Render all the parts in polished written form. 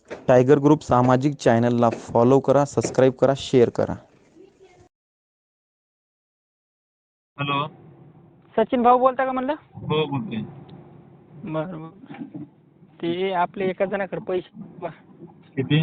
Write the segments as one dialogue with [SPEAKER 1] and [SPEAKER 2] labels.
[SPEAKER 1] Tiger group सामाजिक चॅनलला follow करा, सबस्क्राईब करा, शेअर करा.
[SPEAKER 2] हॅलो.
[SPEAKER 3] सचिन भाऊ बोलता का म्हणलं?
[SPEAKER 2] हो बोलते.
[SPEAKER 3] बरं. ते आपले एका जणाकडे पैसे
[SPEAKER 2] किती?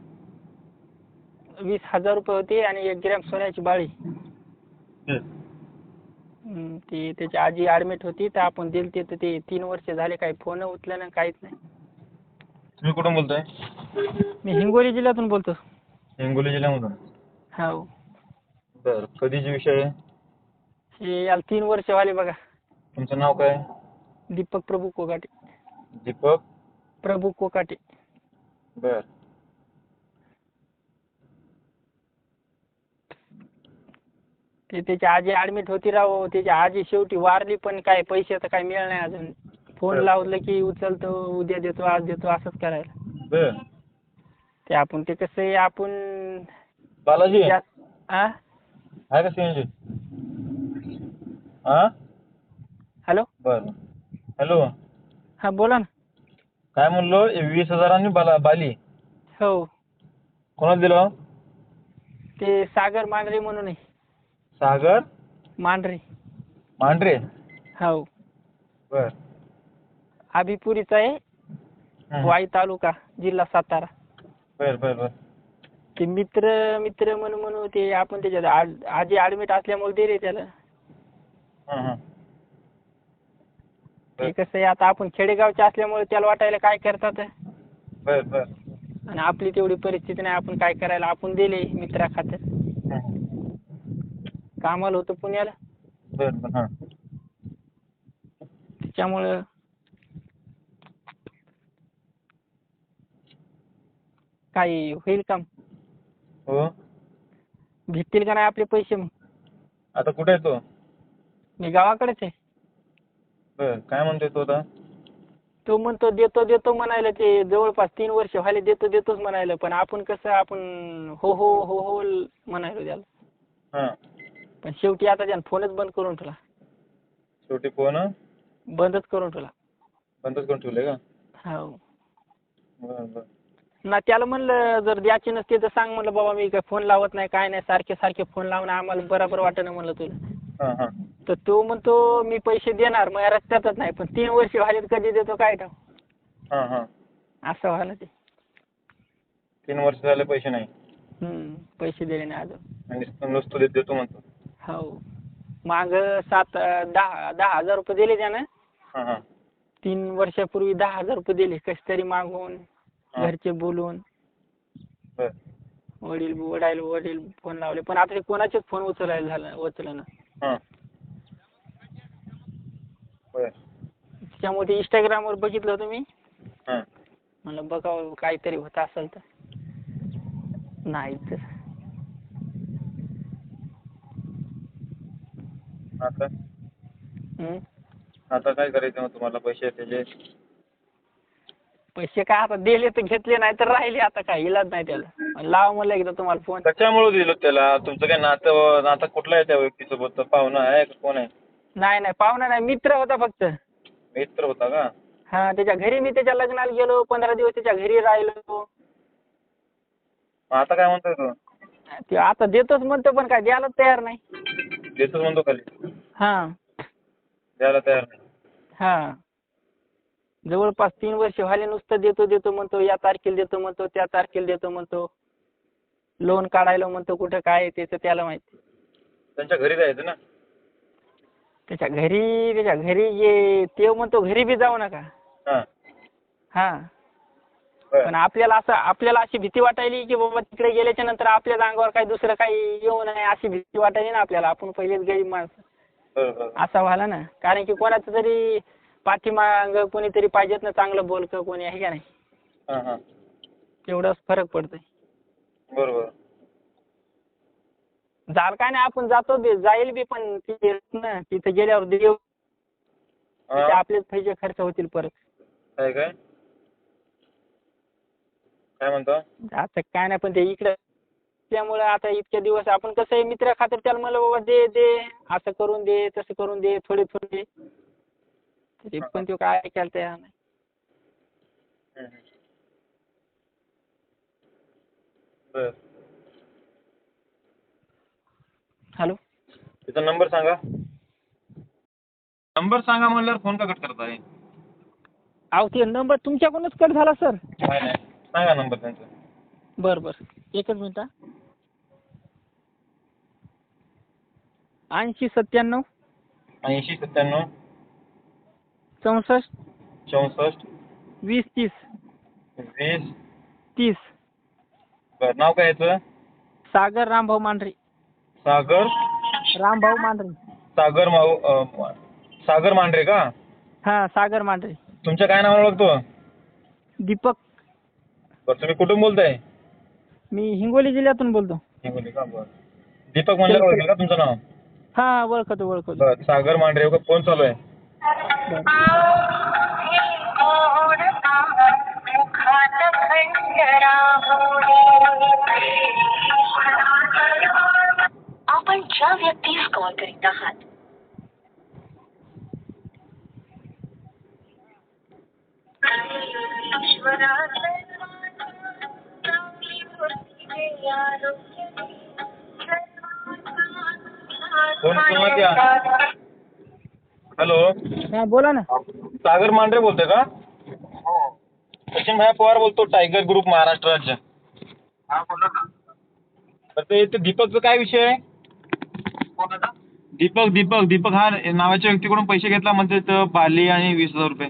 [SPEAKER 3] 20,000 रुपये होते आणि 1 ग्रॅम सोन्याची बाळी.
[SPEAKER 2] तेच.
[SPEAKER 3] ती त्याची आजी ॲडमिट होती तर आपण दिलते तर ते 3 वर्ष झाले काही फोन उचलला नाही, काहीच नाही.
[SPEAKER 2] तुम्ही कुठून बोलताय?
[SPEAKER 3] मी हिंगोली जिल्ह्यातून बोलतो.
[SPEAKER 2] हिंगोली जिल्ह्यामधून.
[SPEAKER 3] हो.
[SPEAKER 2] बरं. कधीचा विषय आहे?
[SPEAKER 3] हे याला 3 वर्ष झाले बघा.
[SPEAKER 2] तुमचं नाव काय?
[SPEAKER 3] दीपक प्रभू कोकाटे.
[SPEAKER 2] दीपक
[SPEAKER 3] प्रभू कोकाटे.
[SPEAKER 2] बर.
[SPEAKER 3] ते त्याची आजी ॲडमिट होती राव. त्याची आजी शेवटी वारली पण काय पैसे तर काही मिळालं नाही अजून. फोन
[SPEAKER 2] बरं.
[SPEAKER 3] लावलं की उचलतो, उद्या देतो, आज देतो असंच करायला.
[SPEAKER 2] बर.
[SPEAKER 3] ते आपण ते कसं आहे आपण
[SPEAKER 2] बालाजी
[SPEAKER 3] आ
[SPEAKER 2] आहे का सीएनजी? हा.
[SPEAKER 3] हॅलो.
[SPEAKER 2] बर. हॅलो.
[SPEAKER 3] हा बोला ना.
[SPEAKER 2] काय म्हणलो? 20,000 बाली
[SPEAKER 3] हो.
[SPEAKER 2] कोणाला दिलं?
[SPEAKER 3] ते सागर मांढरे म्हणून आहे.
[SPEAKER 2] सागर
[SPEAKER 3] मांढरे.
[SPEAKER 2] मांढरे.
[SPEAKER 3] हो.
[SPEAKER 2] बर.
[SPEAKER 3] आबिपुरीचा आहे. वाई तालुका, जिल्हा सातारा.
[SPEAKER 2] बर बर बर.
[SPEAKER 3] ते मित्र म्हणून ते आपण त्याच्यात आजी ॲडमिट असल्यामुळे दे रे त्याला.
[SPEAKER 2] हां.
[SPEAKER 3] ते कसं आहे आता आपण खेडेगावचे असल्यामुळे त्याला वाटायला काय करतात.
[SPEAKER 2] बर बर.
[SPEAKER 3] आणि आपली तेवढी परिस्थिती नाही, आपण काय करायला, आपण दिले मित्रा खात्यात. कामाला होतो पुण्याला.
[SPEAKER 2] बर बर. हां.
[SPEAKER 3] त्याच्यामुळं काही होईल काम.
[SPEAKER 2] हो.
[SPEAKER 3] भेटतील का नाही आपले पैसे मग?
[SPEAKER 2] आता कुठे आहे तो?
[SPEAKER 3] मी गावाकडेच आहे.
[SPEAKER 2] बर. काय म्हणतोय तो आता?
[SPEAKER 3] तो म्हणतो देतो म्हणायला. ते जवळपास 3 वर्ष व्हायले देतोच म्हणायला. पण आपण कसं आपण हो म्हणायलो त्याला.
[SPEAKER 2] हां.
[SPEAKER 3] पण शेवटी आता त्यानं फोनच बंद करून ठेवला.
[SPEAKER 2] शेवटी फोन
[SPEAKER 3] बंदच करून ठेवला.
[SPEAKER 2] बंदच करून ठेवले का?
[SPEAKER 3] हो.
[SPEAKER 2] बर बर.
[SPEAKER 3] ना त्याला म्हणलं जर द्यायचे नसते तर सांग म्हणलं बाबा, मी काय फोन लावत नाही, काय नाही, सारखे फोन लावणं आम्हाला बरोबर वाटेना म्हणलं तुला.
[SPEAKER 2] हां हां.
[SPEAKER 3] तर तो म्हणतो मी पैसे देणार, मग रस्त्यातच नाही. पण 3 वर्ष व्हायलेत, कधी देतो काय ठाऊक.
[SPEAKER 2] हां हां.
[SPEAKER 3] असं व्हायला ते.
[SPEAKER 2] 3 वर्ष झाले पैसे नाही.
[SPEAKER 3] पैसे दिले नाही अजून.
[SPEAKER 2] आणि नुसतं देतो म्हणतो.
[SPEAKER 3] हो. माग 10,000 रुपये दिले त्यानं.
[SPEAKER 2] हां हां.
[SPEAKER 3] 3 वर्षापूर्वी 10,000 रुपये दिले कसे तरी मागून, घरचे बोलून.
[SPEAKER 2] बर.
[SPEAKER 3] वडील फोन लावले पण आता ते कोणाचेच फोन उचलना.
[SPEAKER 2] हां. बर.
[SPEAKER 3] त्याच्यामुळे ते इंस्टाग्रामवर बघितलं होतं मी.
[SPEAKER 2] हां.
[SPEAKER 3] म्हणलं बघावं काहीतरी होत असेल तर. नाही तर
[SPEAKER 2] आता काय करायचं मग तुम्हाला पैसे त्याचे?
[SPEAKER 3] पैसे काय आता दिले तर घेतले, नाही तर राहिले. आता काय इलाज नाही त्याला. लावा म्हणलं एकदा तुम्हाला फोन.
[SPEAKER 2] कशामुळे दिलं त्याला? तुमचं काय नातं कुठलं आहे त्या व्यक्तीसोबत? पाहुणा आहे का कोण आहे?
[SPEAKER 3] नाही पाहुणा नाही, मित्र होता फक्त.
[SPEAKER 2] मित्र होता का?
[SPEAKER 3] हा. त्याच्या घरी मी त्याच्या लग्नाला गेलो, 15 दिवस त्याच्या घरी राहिलो.
[SPEAKER 2] आता काय म्हणतोय तो?
[SPEAKER 3] ते आता देतोच म्हणतो पण काय द्यायला तयार नाही.
[SPEAKER 2] देतोच म्हणतो खाली?
[SPEAKER 3] हा.
[SPEAKER 2] द्यायला तयार नाही.
[SPEAKER 3] हा. जवळपास 3 वर्ष व्हायले नुसतं देतो म्हणतो. या तारखेला देतो म्हणतो, त्या तारखेला देतो म्हणतो. लोन काढायला म्हणतो, कुठं काय त्याचं त्याला माहिती.
[SPEAKER 2] त्यांच्या घरी जायचं ना?
[SPEAKER 3] त्याच्या घरी ये ते म्हणतो, घरी बी जाऊ नका. हा. पण आपल्याला अशी भीती वाटायली की बाबा तिकडे गेल्याच्या नंतर आपल्याच अंगावर काही दुसरं काही येऊ नये अशी भीती वाटायली ना आपल्याला. आपण पहिलेच गरीब माणसं. असा व्हायला ना. कारण की कोणाचं तरी पाठीमाग कोणीतरी पाहिजेत ना, चांगलं बोलकं कोणी आहे का नाही. तेवढाच फरक पडतोय.
[SPEAKER 2] बरोबर.
[SPEAKER 3] झालं काय नाही, आपण जातो जाईल बी पण तिथे गेल्यावर देऊ आपलेच पैसे खर्च होतील परत.
[SPEAKER 2] काय म्हणतो?
[SPEAKER 3] आता काय नाही पण ते इकडे त्यामुळे आता इतक्या दिवस आपण कसं आहे मित्र खातर त्याला म्हणलं बाबा दे असं करून दे, तसं करून दे, थोडे ते पण तो काय ऐकायला तयार नाही.
[SPEAKER 2] बर.
[SPEAKER 3] हॅलो.
[SPEAKER 2] त्याचा नंबर सांगा. नंबर सांगा म्हणल्यावर फोन का कट करताय?
[SPEAKER 3] अहो ते नंबर तुमच्याकडूनच कट झाला सर.
[SPEAKER 2] नाही नाही, सांगा नंबर त्यांचा.
[SPEAKER 3] बरं बरं, एकच मिनिट. 8097
[SPEAKER 2] 8097
[SPEAKER 3] 64
[SPEAKER 2] 64
[SPEAKER 3] 20 30
[SPEAKER 2] 20
[SPEAKER 3] 30.
[SPEAKER 2] बर. नाव काय याचं?
[SPEAKER 3] सागर रामभाऊ मांढरे.
[SPEAKER 2] सागर
[SPEAKER 3] रामभाऊ मांढरे.
[SPEAKER 2] सागर मांढरे का?
[SPEAKER 3] हा, सागर मांढरे.
[SPEAKER 2] तुमच्या काय नावाने ओळखतो?
[SPEAKER 3] दीपक.
[SPEAKER 2] बरं, तुम्ही कुठून बोलताय?
[SPEAKER 3] मी हिंगोली जिल्ह्यातून बोलतो.
[SPEAKER 2] हिंगोली का? बरं. दीपक म्हणल्यावर ओळखेल का तुमचं नाव?
[SPEAKER 3] हा, ओळखतो.
[SPEAKER 2] बरं. सागर मांढरे का? फोन चालू आहे.
[SPEAKER 4] आपण ज्या व्यक्तीस कॉल करीत आहात
[SPEAKER 2] फोन पुन्हा द्या. हॅलो.
[SPEAKER 3] हा, बोला ना.
[SPEAKER 2] सागर मांढरे बोलतोय का? सचिन भाई पवार बोलतो, टायगर ग्रुप महाराष्ट्र राज्य.
[SPEAKER 5] हा, बोला ना.
[SPEAKER 2] तर ते दीपकचा काय विषय आहे?
[SPEAKER 5] कोणाचा?
[SPEAKER 2] दीपक हा नावाच्या व्यक्तीकडून पैसे घेतला म्हणते, बाली आणि 20,000 रुपये.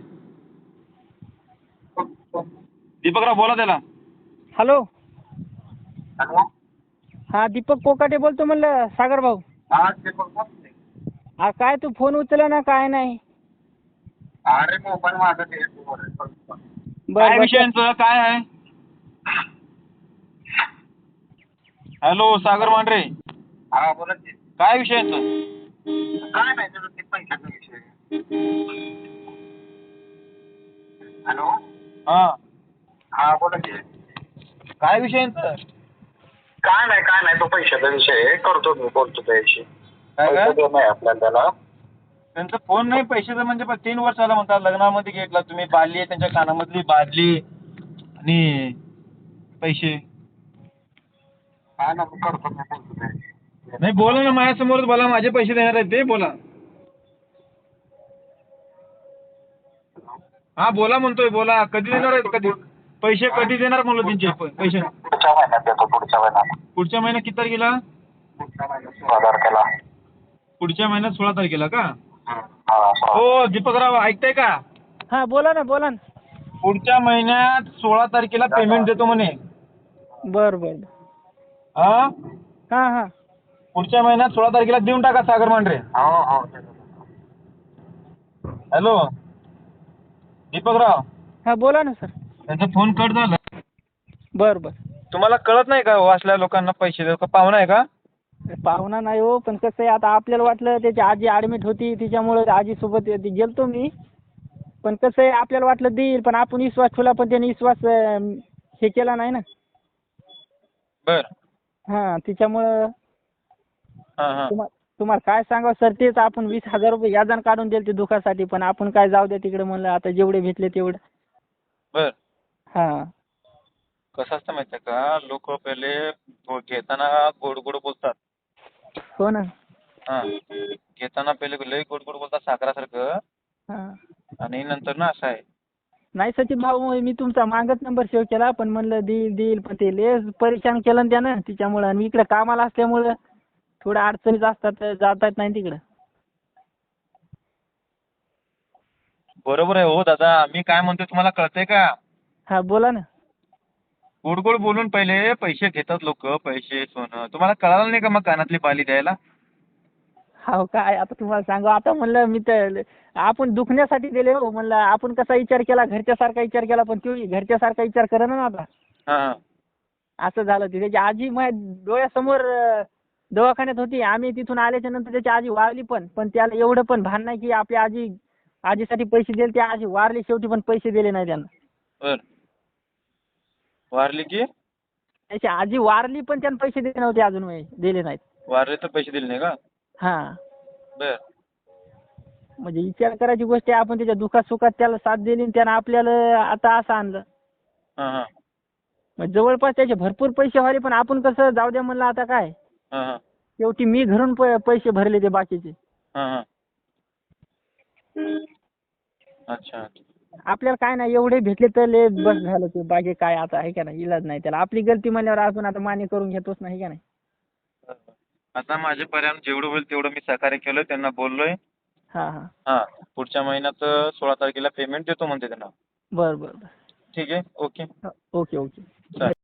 [SPEAKER 2] दीपकराव बोला त्याला.
[SPEAKER 3] हॅलो.
[SPEAKER 5] हॅलो.
[SPEAKER 3] हा, दीपक कोकाटे बोलतो म्हणलं सागर भाऊ.
[SPEAKER 5] हा, ते बघ.
[SPEAKER 3] हा, काय तू फोन उचलला ना, काय नाही.
[SPEAKER 5] अरे मोबाईल माझा ते
[SPEAKER 2] काय विषयांचं काय आहे? हॅलो सागर मांढरे.
[SPEAKER 5] हा, बोला की.
[SPEAKER 2] काय विषयांचं?
[SPEAKER 5] काय नाही तुझं ते पैशाचा विषय. हॅलो. हा, बोला की.
[SPEAKER 2] काय विषयांचं?
[SPEAKER 5] काय नाही तो पैशाचा विषय आहे. करतो मी, बोलतो त्याशी.
[SPEAKER 2] काय
[SPEAKER 5] नाही आपल्याला त्याला.
[SPEAKER 2] त्यांचा फोन नाही पैशाचं म्हणजे 3 वर्ष झालं म्हणतात. लग्नामध्ये घेतला तुम्ही, बादली आहे त्यांच्या कानामधली, बादली आणि पैसे.
[SPEAKER 5] हा ना, करतो मी, बोलतो त्याशी.
[SPEAKER 2] नाही बोला ना, माझ्यासमोरच बोला. माझे पैसे देणार आहेत ते, बोला. हा बोला म्हणतोय, बोला. कधी देणार आहेत? कधी पैसे कधी देणार म्हणलो त्यांचे पैसे?
[SPEAKER 5] पुढच्या महिन्यात देतो, पुढच्या महिन्यात.
[SPEAKER 2] पुढच्या महिन्यात किती तारखेला?
[SPEAKER 5] पुढच्या महिन्यात 16 तारखेला.
[SPEAKER 2] पुढच्या महिन्यात 16 तारखेला का?
[SPEAKER 5] हा.
[SPEAKER 2] हो दीपकराव ऐकताय का?
[SPEAKER 3] हा, बोला ना.
[SPEAKER 2] पुढच्या महिन्यात 16 तारखेला पेमेंट देतो म्हणे.
[SPEAKER 3] बरं.
[SPEAKER 2] हा,
[SPEAKER 3] हा.
[SPEAKER 2] पुढच्या महिन्यात 16 तारखेला देऊन टाका सागर मांढरे.
[SPEAKER 5] हो.
[SPEAKER 2] हॅलो दीपकराव.
[SPEAKER 3] हा, बोला ना सर.
[SPEAKER 2] त्यांचा फोन कट झाला.
[SPEAKER 3] बरं.
[SPEAKER 2] तुम्हाला कळत नाही का असल्या लोकांना पैसे देऊ? का पाहुणा आहे का?
[SPEAKER 3] पाहुणा नाही हो, पण कसं आहे आता आपल्याला वाटलं त्याची आजी ॲडमिट होती, तिच्यामुळे आजीसोबत गेलतो मी. पण कसं आहे आपल्याला वाटलं देईल, पण आपण विश्वास ठेवला, पण त्याने विश्वास हे केला नाही ना.
[SPEAKER 2] बर.
[SPEAKER 3] हा, तिच्यामुळं
[SPEAKER 2] हा.
[SPEAKER 3] तुम्हाला काय सांगावं सर, तेच आपण 20,000 रुपये याजान काढून दिले ते दुखासाठी, पण आपण काय जाऊ द्या तिकडे म्हणलं, आता जेवढे भेटले तेवढं.
[SPEAKER 2] बर.
[SPEAKER 3] हा.
[SPEAKER 2] कसं असतं माहिती आहे का, लोक पहिले घेताना गोड बोलतात.
[SPEAKER 3] हो ना.
[SPEAKER 2] हा, घेताना पहिले लय गोड बोलतात साखरासारखं.
[SPEAKER 3] हा.
[SPEAKER 2] आणि नंतर ना असं आहे.
[SPEAKER 3] नाही सचिन भाऊ, मी तुमचा मागच नंबर सेव्ह केला, पण म्हणलं देईल, पण ते लयच परेशान केलं ना त्यानं, तिच्यामुळं. आणि इकडे कामाला असल्यामुळं थोड्या अडचणीच असतात, जाता येत नाही तिकडं.
[SPEAKER 2] बरोबर आहे हो दादा. मी काय म्हणतोय तुम्हाला कळतंय का?
[SPEAKER 3] हा, बोला ना.
[SPEAKER 2] गोड बोलून पहिले पैसे घेतात लोक, पैसे सोनं. तुम्हाला कळालं नाही का मग कानातली बाली द्यायला?
[SPEAKER 3] हो, काय आता तुम्हाला सांगू, आता म्हणलं मी तर आपण दुखण्यासाठी दिले हो. म्हणलं आपण कसा विचार केला, घरच्यासारखा विचार केला, पण तो घरच्यासारखा विचार करे ना आता.
[SPEAKER 2] हा.
[SPEAKER 3] असं झालं. ते त्याची आजी माझ्या डोळ्यासमोर दवाखान्यात होती. आम्ही तिथून आल्याच्या नंतर त्याची आजी वारली, पण त्याला एवढं पण भान नाही की आपल्या आजीसाठी पैसे दिले. त्या आजी वारली शेवटी, पण पैसे दिले नाही त्यांना.
[SPEAKER 2] बर. वारली की?
[SPEAKER 3] त्याची आजी वारली, पण त्यानं पैसे दिले नव्हते अजून, दिले नाहीत.
[SPEAKER 2] वारले तर पैसे दिले नाही का?
[SPEAKER 3] हा.
[SPEAKER 2] बर.
[SPEAKER 3] म्हणजे विचार करायची गोष्ट आहे, आपण त्याच्या दुखात सुखात त्याला साथ दिली, त्यानं आपल्याला आता असं आणलं.
[SPEAKER 2] हा.
[SPEAKER 3] मग जवळपास त्याचे भरपूर पैसे व्हाले, पण आपण कसं जाऊ द्या म्हणलं आता काय.
[SPEAKER 2] हां हां
[SPEAKER 3] शेवटी मी घरून पैसे भरले ते बाकीचे.
[SPEAKER 2] हां हां. अच्छा.
[SPEAKER 3] आपल्याला काय नाही, एवढे भेटले तर लय बस झालं, ते बाकी काय आता आहे का नाही, इलाज नाही त्याला. आपली गलती म्हणल्यावर आपण आता मान्य करून घेतोच नाही का नाही.
[SPEAKER 2] आता माझ्यापर्यंत जेवढं होईल तेवढं मी सहकार्य केलं, त्यांना बोललोय.
[SPEAKER 3] हां हां.
[SPEAKER 2] हां, पुढच्या महिन्यात 16 तारखेला पेमेंट देतो म्हणते त्यांना.
[SPEAKER 3] बरं बरं बरं.
[SPEAKER 2] ठीक आहे. ओके.
[SPEAKER 3] Okay okay.
[SPEAKER 2] चालेल.